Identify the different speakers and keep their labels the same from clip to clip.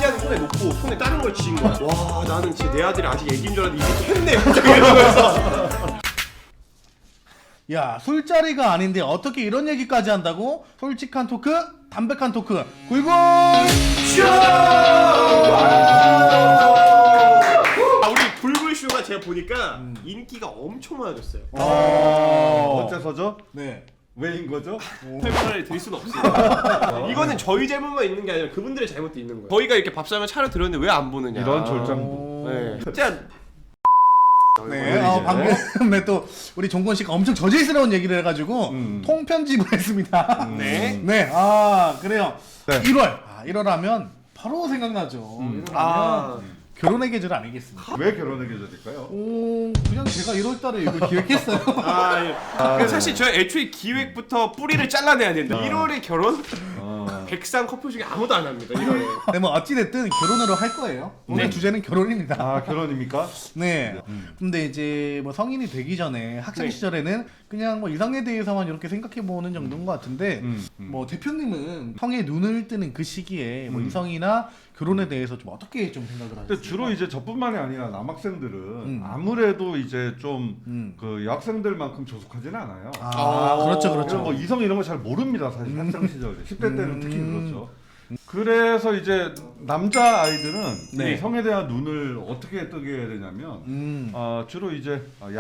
Speaker 1: 피자는 손에 놓고 손에 다른 걸 쥐인 거야. 와 나는 진짜 내 아들이 아직 애기인 줄 알았는데 이것도 했네. 갑자기 이러면서.
Speaker 2: 야, 술자리가 아닌데 어떻게 이런 얘기까지 한다고? 솔직한 토크, 담백한 토크, 굴굴 쇼!
Speaker 1: 우리 굴굴쇼가 제가 보니까 인기가 엄청 많아졌어요.
Speaker 3: 어째서죠?
Speaker 2: 네.
Speaker 3: 왜인 거죠?
Speaker 1: 설명을 드릴 수는 없어요. 이거는 저희 잘못만 있는 게 아니라 그분들의 잘못도 있는 거예요. 저희가 이렇게 밥상을 차려 들었는데 왜 안 보느냐.
Speaker 3: 이런 졸장부.
Speaker 1: 네. 진짜.
Speaker 2: 네, 방금 또 우리 종건 씨가 엄청 저질스러운 얘기를 해가지고 통편집을 했습니다.
Speaker 1: 네.
Speaker 2: 네, 그래요.
Speaker 3: 네.
Speaker 2: 1월 하면 바로 생각나죠. 1월 하면 결혼의 계절 아니겠습니까?
Speaker 3: 왜 결혼의 계절일까요?
Speaker 2: 그냥 제가 1월달에 이걸 기획했어요.
Speaker 1: 그래서 사실 저희 애초에 기획부터 뿌리를 잘라내야 된다. 1월에 결혼? 백상 커플 중에 아무도 안 합니다. 1월에.
Speaker 2: 네, 뭐 어찌됐든 결혼으로 할 거예요. 오늘 주제는 결혼입니다.
Speaker 3: 아, 결혼입니까?
Speaker 2: 네. 근데 이제 뭐 성인이 되기 전에 학창 시절에는 그냥 뭐 이성에 대해서만 이렇게 생각해 보는 정도인 것 같은데 뭐 대표님은 성에 눈을 뜨는 그 시기에 뭐 이성이나 결혼에 대해서 좀 어떻게 좀 생각을 하세요?
Speaker 3: 근데 주로 이제 저뿐만이 아니라 남학생들은 아무래도 이제 좀 그 여학생들만큼 조숙하지는 않아요.
Speaker 2: 그렇죠, 그렇죠.
Speaker 3: 뭐 이성 이런 거 잘 모릅니다, 사실 학창 시절에 10대 때는 특히 그렇죠. 그래서 이제 남자 아이들은
Speaker 2: 네.
Speaker 3: 이 성에 대한 눈을 어떻게 뜨게 되냐면 주로 이제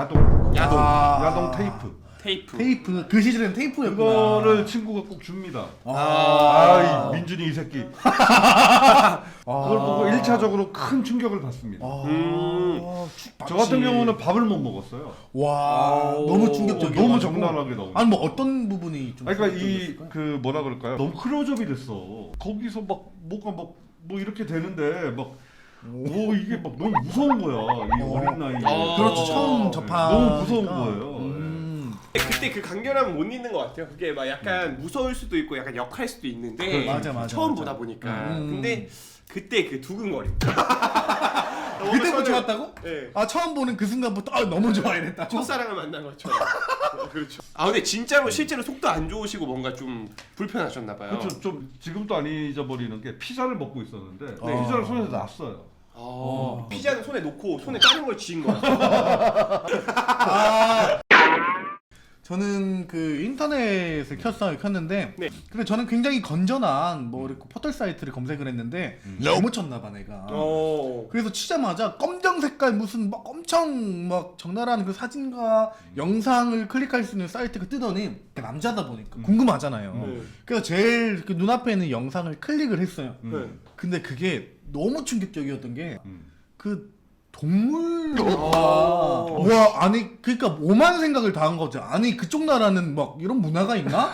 Speaker 3: 야동
Speaker 1: 테이프.
Speaker 2: 그 시절엔 테이프였구나.
Speaker 3: 그거를 친구가 꼭 줍니다. 이 민준이 이 새끼. 그걸 보고 1차적으로 큰 충격을 받습니다. 저 같은 경우는 밥을 못 먹었어요.
Speaker 2: 와, 너무 충격적이야.
Speaker 3: 너무 적나라하게 나오고.
Speaker 2: 아니 뭐 어떤 부분이 좀
Speaker 3: 그러니까
Speaker 2: 충격적이었을까요?
Speaker 3: 그 뭐라 그럴까요? 너무 클로즈업이 됐어. 거기서 막 뭐가 막 뭐 이렇게 되는데 막 뭐 이게 막 너무 무서운 거야. 이 어린 나이에.
Speaker 2: 그렇죠. 처음 접하.
Speaker 3: 너무 무서운 거예요.
Speaker 1: 그때 그 강렬함은 못 잊는 것 같아요. 그게 막 약간 무서울 수도 있고 약간 역할 수도 있는데
Speaker 2: 맞아.
Speaker 1: 처음 보다 보니까. 근데 그때 그 두근거림.
Speaker 2: 그때부터 좋았다고?
Speaker 1: 네.
Speaker 2: 처음 보는 그 순간부터 너무 좋아했다.
Speaker 1: 첫사랑을 만난 것처럼. 그렇죠. 근데 진짜로 실제로 속도 안 좋으시고 뭔가 좀 불편하셨나 봐요.
Speaker 3: 그렇죠. 좀 지금도 안 잊어버리는 게 피자를 먹고 있었는데
Speaker 2: 네.
Speaker 3: 피자를 손에서 놨어요.
Speaker 1: 피자는 손에 놓고 손에 다른 걸 쥐인 거야.
Speaker 2: 저는 그 인터넷을 켰는데
Speaker 1: 네.
Speaker 2: 근데 저는 굉장히 건전한 뭐 이렇게 포털 사이트를 검색을 했는데 잘못 쳤나 봐 내가. 그래서 치자마자 검정 색깔 무슨 막 엄청 막 적나라한 그 사진과 영상을 클릭할 수 있는 사이트가 뜨더니 남자다 보니까 궁금하잖아요. 그래서 제일 그 눈앞에 있는 영상을 클릭을 했어요. 근데 그게 너무 충격적이었던 게 그 동물 와 아니 그러니까 오만 생각을 다 한 거죠. 아니 그쪽 나라는 막 이런 문화가 있나?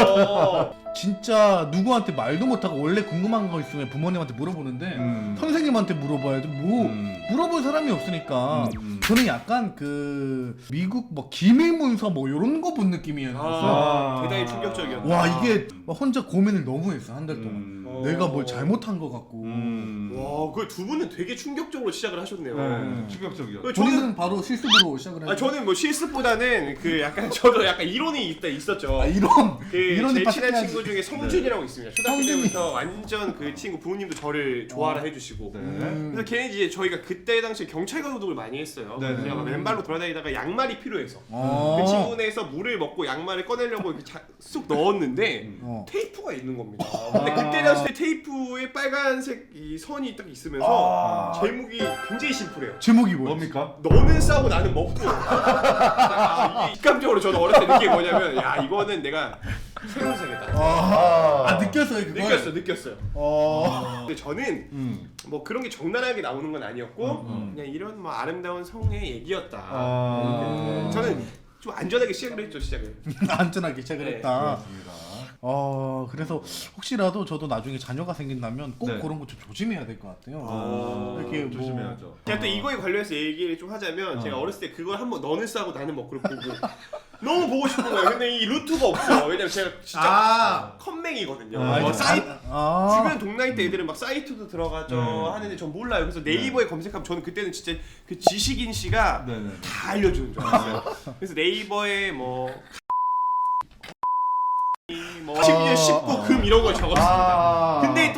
Speaker 2: 진짜 누구한테 말도 못하고 원래 궁금한 거 있으면 부모님한테 물어보는데 선생님한테 물어봐야지 뭐 물어볼 사람이 없으니까 저는 약간 그 미국 뭐 기밀문서 뭐 이런 거 본 느낌이었어요.
Speaker 1: 대단히 충격적이었다.
Speaker 2: 와 이게 막 혼자 고민을 너무 했어 한 달 동안. 내가 뭘 잘못한 것 같고.
Speaker 1: 와, 그 두 분은 되게 충격적으로 시작을 하셨네요.
Speaker 3: 충격적이었죠.
Speaker 2: 저는 바로 실습으로 시작을 했어요.
Speaker 1: 저는 뭐 실습보다는 그 약간 저도 약간 이론이 있었죠.
Speaker 2: 이런
Speaker 1: 그
Speaker 2: 이론이
Speaker 1: 제 친한
Speaker 2: 빠삭해야지.
Speaker 1: 친구 중에 성준이라고 있습니다. 초등학교 때부터 완전 그 친구 부모님도 저를 좋아라 해주시고. 그래서 걔는 이제 저희가 그때 당시에 경찰관 소독을 많이 했어요. 제가 막 맨발로 돌아다니다가 양말이 필요해서 그 친구네에서 물을 먹고 양말을 꺼내려고 이렇게 쑥 넣었는데 테이프가 있는 겁니다. 근데 그때 당시에 테이프에 빨간색 이 선이 딱 있으면서 제목이 굉장히 심플해요.
Speaker 2: 제목이 뭐예요?
Speaker 3: 뭡니까?
Speaker 1: 너는 싸고 나는 먹고. 이게 직감적으로 저는 어렸을 때 느낀 게 뭐냐면 야 이거는 내가 새로운 세계다.
Speaker 2: 느꼈어요 그걸?
Speaker 1: 느꼈어요. 근데 저는 뭐 그런 게 적나라하게 나오는 건 아니었고 그냥 이런 뭐 아름다운 성의 얘기였다. 저는 좀 안전하게 시작을 했죠 시작을.
Speaker 2: 안전하게 시작을
Speaker 1: 네,
Speaker 2: 했다.
Speaker 3: 그렇습니다.
Speaker 2: 그래서 혹시라도 저도 나중에 자녀가 생긴다면 꼭
Speaker 3: 네.
Speaker 2: 그런 거 좀 조심해야 될 것 같아요. 이렇게 뭐
Speaker 3: 조심해야죠.
Speaker 1: 제가 또 이거에 관련해서 얘기를 좀 하자면 제가 어렸을 때 그걸 한번 너는 싸고 나는 먹고를 보고 너무 보고 싶은 거예요. 근데 이 루트가 없어. 왜냐면 제가 진짜 컴맹이거든요. 주변 동나이 때 애들은 막 사이트도 들어가죠 하는데 전 몰라요. 그래서 네이버에 검색하면 저는 그때는 진짜 그 지식인 씨가 다 알려주는 줄 알았어요. 그래서 네이버에 뭐 10년 19금 이런 걸 적었습니다. 근데 또 네이버가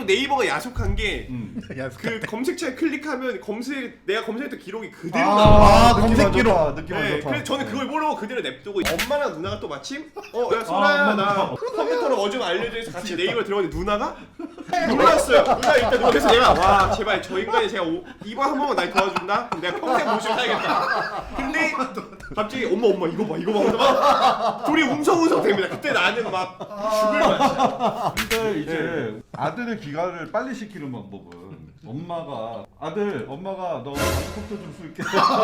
Speaker 1: 너무 야속한 게 그 검색창에 클릭하면 내가 검색했던 기록이 그대로 나와.
Speaker 2: 검색 기록.
Speaker 3: 느낌
Speaker 1: 네,
Speaker 3: 좋다.
Speaker 1: 그래서 저는 그걸 모르고 그대로 냅두고 엄마랑 누나가 또 마침 야 소라야 나 컴퓨터로 뭐 좀 알려줘 해서 같이 네이버 들어갔는데 누나가 놀랐어요. 누나 일단 그래서 내가 와 제발 저 인간이 제가 이번 한 번만 날 도와준다? 그럼 내가 평생 모시고 살겠다. 근데 갑자기 엄마 이거 봐 하면서 막 둘이 웅성웅성 됩니다. 그때 나는 막 죽을 맛이야.
Speaker 3: 근데 이제 아들의 귀가를 빨리 시키는 방법은 엄마가 너 방콕도 좀 쓸게.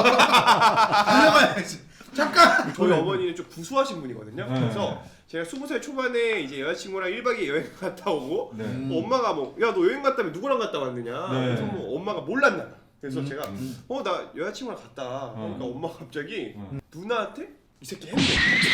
Speaker 2: 달려가야지. 잠깐.
Speaker 1: 저희 어머니는 좀 구수하신 분이거든요.
Speaker 3: 네.
Speaker 1: 그래서 제가 20살 초반에 이제 여자친구랑 1박 2일 여행 갔다 오고
Speaker 3: 네.
Speaker 1: 엄마가 야 너 여행 갔다며 누구랑 갔다 왔느냐.
Speaker 3: 네.
Speaker 1: 그래서 뭐 엄마가 몰랐나 봐. 그래서 제가 나 여자친구랑 갔다. 그러니까 엄마가 갑자기 누나한테 이 새끼 했네.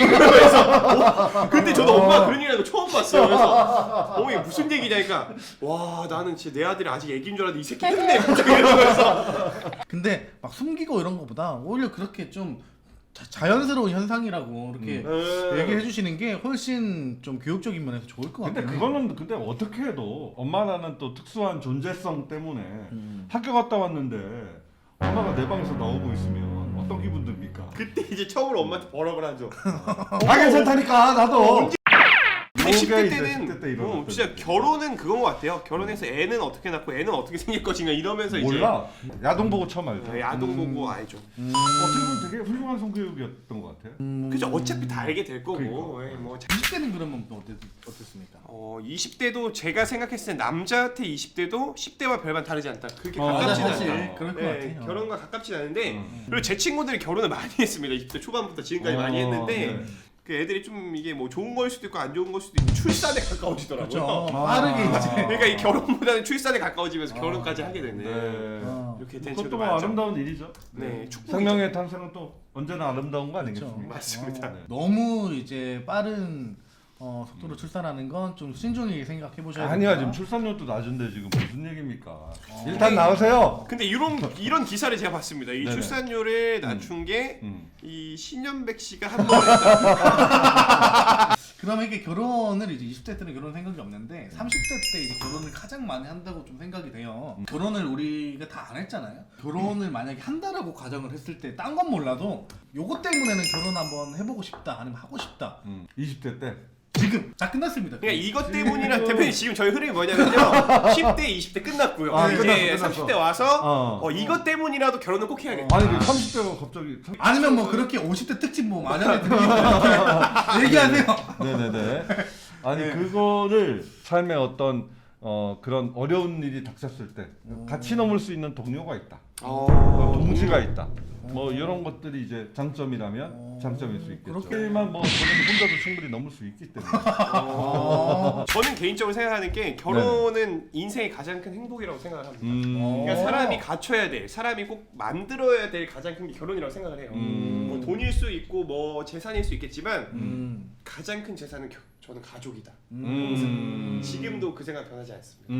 Speaker 1: 그래서 근데 저도 엄마가 그런 얘기하는 거 처음 봤어요. 그래서 어머니 무슨 얘기냐니까 와 나는 진짜 내 아들이 아직 애기인 줄 알았는데 이 새끼 했네. 갑자기 이러면서
Speaker 2: 근데 막 숨기고 이런 거보다 오히려 그렇게 좀 자연스러운 현상이라고 이렇게 얘기해 주시는 게 훨씬 좀 교육적인 면에서 좋을 것
Speaker 3: 근데
Speaker 2: 같아요.
Speaker 3: 그거는 근데 어떻게 해도 엄마라는 또 특수한 존재성 때문에 학교 갔다 왔는데 엄마가 내 방에서 나오고 있으면 어떤 기분 듭니까?
Speaker 1: 그때 이제 처음으로 엄마한테 버럭을 하죠.
Speaker 3: 괜찮다니까 나도.
Speaker 1: 근데 10대
Speaker 3: 이제
Speaker 1: 때는
Speaker 3: 10대 때 이런
Speaker 1: 진짜 결혼은 그건 것 같아요. 결혼해서 애는 어떻게 낳고 애는 어떻게 생길 것인가 이러면서
Speaker 3: 몰라. 야동 보고 처음 알죠.
Speaker 1: 이제 야동 보고 알죠.
Speaker 3: 어떻게 보면 되게 훌륭한 성교육이었던 것 같아요.
Speaker 1: 그죠. 어차피 다 알게 될 거고.
Speaker 3: 그러니까.
Speaker 1: 예, 뭐
Speaker 2: 20대는 그러면 또 어땠습니까?
Speaker 1: 20대도 제가 생각했을 때 남자한테 20대도 10대와 별반 다르지 않다. 그렇게
Speaker 2: 맞아,
Speaker 1: 가깝진
Speaker 2: 사실
Speaker 1: 않다.
Speaker 2: 그럴 것
Speaker 1: 네,
Speaker 2: 같아요.
Speaker 1: 결혼과 가깝진 않은데 그리고 제 친구들이 결혼을 많이 했습니다. 20대 초반부터 지금까지 많이 했는데
Speaker 3: 네.
Speaker 1: 그 애들이 좀 이게 뭐 좋은 걸 수도 있고 안 좋은 걸 수도 있고 출산에 가까워지더라고요.
Speaker 2: 그렇죠. 빠르게 이제.
Speaker 1: 그러니까 이 결혼보다는 출산에 가까워지면서 결혼까지 하게 되네.
Speaker 3: 네.
Speaker 1: 이렇게 된
Speaker 3: 그것도
Speaker 1: 친구도
Speaker 3: 뭐
Speaker 1: 많죠.
Speaker 3: 아름다운 일이죠.
Speaker 1: 네, 축복이죠.
Speaker 3: 생명의 탄생은 또 언제나 아름다운 거
Speaker 2: 그렇죠.
Speaker 3: 아니겠습니까?
Speaker 1: 맞습니다.
Speaker 3: 네.
Speaker 2: 너무 이제 빠른 속도로 출산하는 건 좀 신중히 생각해 보셔야
Speaker 3: 아니야
Speaker 2: 됩니다.
Speaker 3: 지금 출산율도 낮은데 지금 무슨 얘기입니까? 일단 나오세요.
Speaker 1: 근데 이런 기사를 제가 봤습니다. 이
Speaker 3: 네네.
Speaker 1: 출산율을 낮춘 게
Speaker 3: 음.
Speaker 1: 이 신현백 씨가 한 번 했다.
Speaker 2: 그러면 이게 결혼을 이제 20대 때는 결혼 생각이 없는데 30대 때 이제 결혼을 가장 많이 한다고 좀 생각이 돼요. 결혼을 우리가 다 안 했잖아요. 결혼을 만약에 한다라고 가정을 했을 때 딴 건 몰라도 요거 때문에는 결혼 한번 해보고 싶다 아니면 하고 싶다.
Speaker 3: 20대 때.
Speaker 2: 지금 다 끝났습니다.
Speaker 1: 그러니까 이것 때문이라 대표님 지금 저희 흐름이 뭐냐면요. 10대, 20대 끝났고요. 이제
Speaker 3: 끝났어.
Speaker 1: 30대 와서 이것 때문이라도 결혼을 꼭 해야겠다.
Speaker 3: 아니 30대가 갑자기
Speaker 2: 아니면 뭐 그렇게 50대 특집 뭐 만약에 들리고 얘기하세요.
Speaker 3: 네네네. 아니 그거를 삶의 어떤 그런 어려운 일이 닥쳤을 때 같이 넘을 수 있는 동료가 있다. 동지가 있다. 뭐 이런 것들이 이제 장점이라면 장점일 수 있겠죠. 그렇게만 뭐 저는 혼자도 충분히 넘을 수 있기 때문에.
Speaker 1: 저는 개인적으로 생각하는 게 결혼은 인생의 가장 큰 행복이라고 생각을 합니다. 그러니까 사람이 갖춰야 될, 사람이 꼭 만들어야 될 가장 큰 게 결혼이라고 생각을 해요. 뭐 돈일 수 있고 뭐 재산일 수 있겠지만 가장 큰 재산은 저는 가족이다. 지금도 그 생각 변하지 않습니다.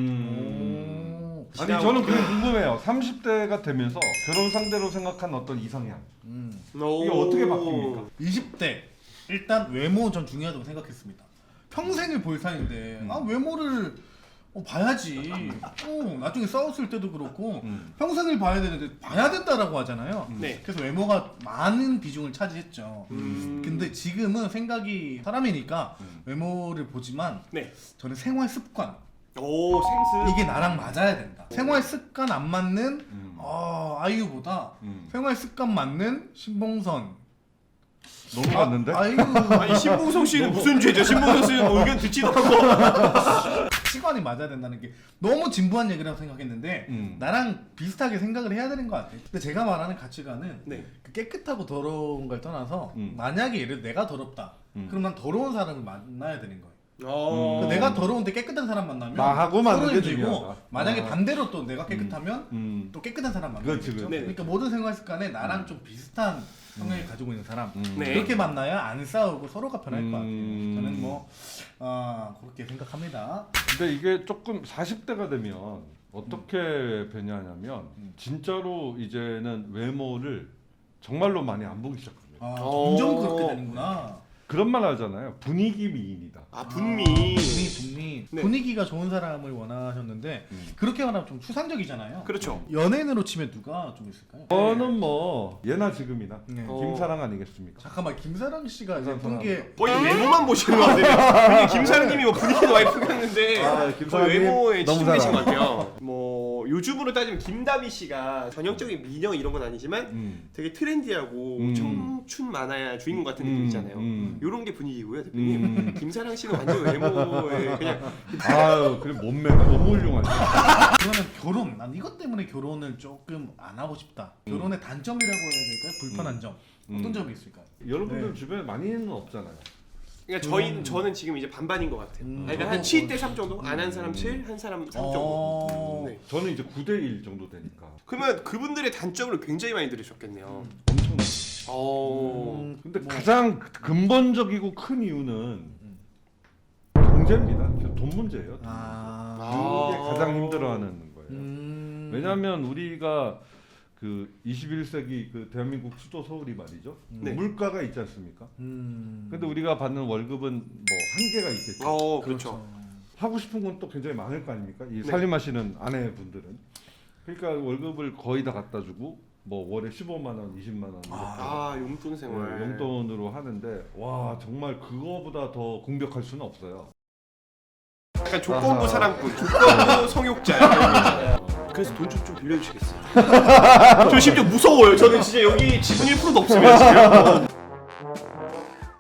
Speaker 3: 아니 저는 그게 궁금해요. 30대가 되면서 결혼 상대로 생각한 어떤 이상향 이게 어떻게 바뀝니까?
Speaker 2: 20대 일단 외모 전 중요하다고 생각했습니다. 평생을 볼 사이인데 외모를 봐야지. 나중에 싸웠을 때도 그렇고 평생을 봐야 되는데 봐야 된다라고 하잖아요.
Speaker 1: 네.
Speaker 2: 그래서 외모가 많은 비중을 차지했죠. 근데 지금은 생각이 사람이니까 외모를 보지만
Speaker 1: 네.
Speaker 2: 저는 생활 습관
Speaker 1: 오 생스.
Speaker 2: 이게 나랑 맞아야 된다. 생활 습관 안 맞는 아이유보다 생활 습관 맞는 신봉선
Speaker 3: 너무 맞는데?
Speaker 2: 아이유
Speaker 1: 아니 신봉선 씨는 무슨 죄죠? 신봉선 씨는 뭐 의견 듣지도 않고.
Speaker 2: 시간이 맞아야 된다는 게 너무 진부한 얘기라고 생각했는데 나랑 비슷하게 생각을 해야 되는 것 같아요. 근데 제가 말하는 가치관은
Speaker 1: 네.
Speaker 2: 그 깨끗하고 더러운 걸 떠나서 만약에 예를 들어 내가 더럽다. 그럼 난 더러운 사람을 만나야 되는 거예요. 그러니까 내가 더러운데 깨끗한 사람 만나면
Speaker 3: 나하고 맞는 게
Speaker 2: 서로해지고
Speaker 3: 중요하다.
Speaker 2: 만약에 반대로 또 내가 깨끗하면 또 깨끗한 사람 만나겠죠.
Speaker 3: 그렇지, 그렇지.
Speaker 2: 그러니까 모든 생활 습관에 나랑 좀 비슷한 성향을 가지고 있는 사람
Speaker 1: 네.
Speaker 2: 그렇게 만나야 안 싸우고 서로가 편할 것 같아요. 저는 뭐 그렇게 생각합니다.
Speaker 3: 근데 이게 조금 40대가 되면 어떻게 변하냐면 진짜로 이제는 외모를 정말로 많이 안 보기 시작합니다.
Speaker 2: 점점 그렇게 되는구나.
Speaker 3: 그런 말 하잖아요. 분위기 미인이다.
Speaker 1: 아 분미.
Speaker 2: 네. 분위기가 좋은 사람을 원하셨는데 그렇게 말하면 좀 추상적이잖아요.
Speaker 1: 그렇죠.
Speaker 2: 연예인으로 치면 누가 좀 있을까요?
Speaker 3: 저는 뭐 예나 지금이나
Speaker 2: 네.
Speaker 3: 김사랑 아니겠습니까?
Speaker 2: 잠깐만 김사랑 씨가
Speaker 3: 김사랑
Speaker 2: 예쁜 게
Speaker 1: 거의 외모만 보시는 것 같아요. 김사랑님이 뭐 분위기는 와이프였는데
Speaker 3: 아,
Speaker 1: 거의 외모에
Speaker 3: 너무
Speaker 1: 치중되신 것
Speaker 3: 사랑.
Speaker 1: 같아요. 뭐 요즘으로 따지면 김다미 씨가 전형적인 미녀 이런 건 아니지만 되게 트렌디하고 청춘 만화야 주인공 같은 느낌 있잖아요. 요런 게 분위기고요, 대표님. 김사랑 씨는 완전 외모에 그냥
Speaker 3: 아유, 그래 몸매가 너무 훌륭하죠.
Speaker 2: 그러면 결혼, 난 이것 때문에 결혼을 조금 안 하고 싶다. 결혼의 단점이라고 해야 될까요? 불편한 점 어떤 점이 있을까요?
Speaker 3: 여러분들
Speaker 2: 네.
Speaker 3: 주변에 많이는 없잖아요.
Speaker 1: 그러니까 저는 지금 이제 반반인 것 같아요. 그러니까 한 7대 3 정도? 안 한 사람 7, 한 사람 3 정도. 네.
Speaker 3: 저는 이제 9대1 정도 되니까
Speaker 1: 그러면 그분들의 단점을 굉장히 많이 들으셨겠네요.
Speaker 3: 엄청나요. 근데 가장 근본적이고 큰 이유는 경제입니다. 돈 문제예요. 그게 가장 힘들어하는 거예요. 왜냐하면 우리가 그 21세기 그 대한민국 수도 서울이 말이죠.
Speaker 1: 네.
Speaker 3: 물가가 있지 않습니까? 근데 우리가 받는 월급은 뭐 한계가 있겠죠.
Speaker 1: 그렇죠.
Speaker 3: 하고 싶은 건 또 굉장히 많을 거 아닙니까? 이 살림하시는 아내분들은. 그러니까 월급을 거의 다 갖다 주고 뭐 월에 15만 원, 20만 원 이렇게
Speaker 1: 용돈 생활.
Speaker 3: 용돈으로 하는데 와 정말 그거보다 더 공격할 수는 없어요.
Speaker 1: 약간 조건부 사랑꾼, 조건부 성욕자. 그래서 돈 좀 빌려주시겠어요? 저 심지어 무서워요. 저는 진짜 여기 지분 1%도 없으면 지금.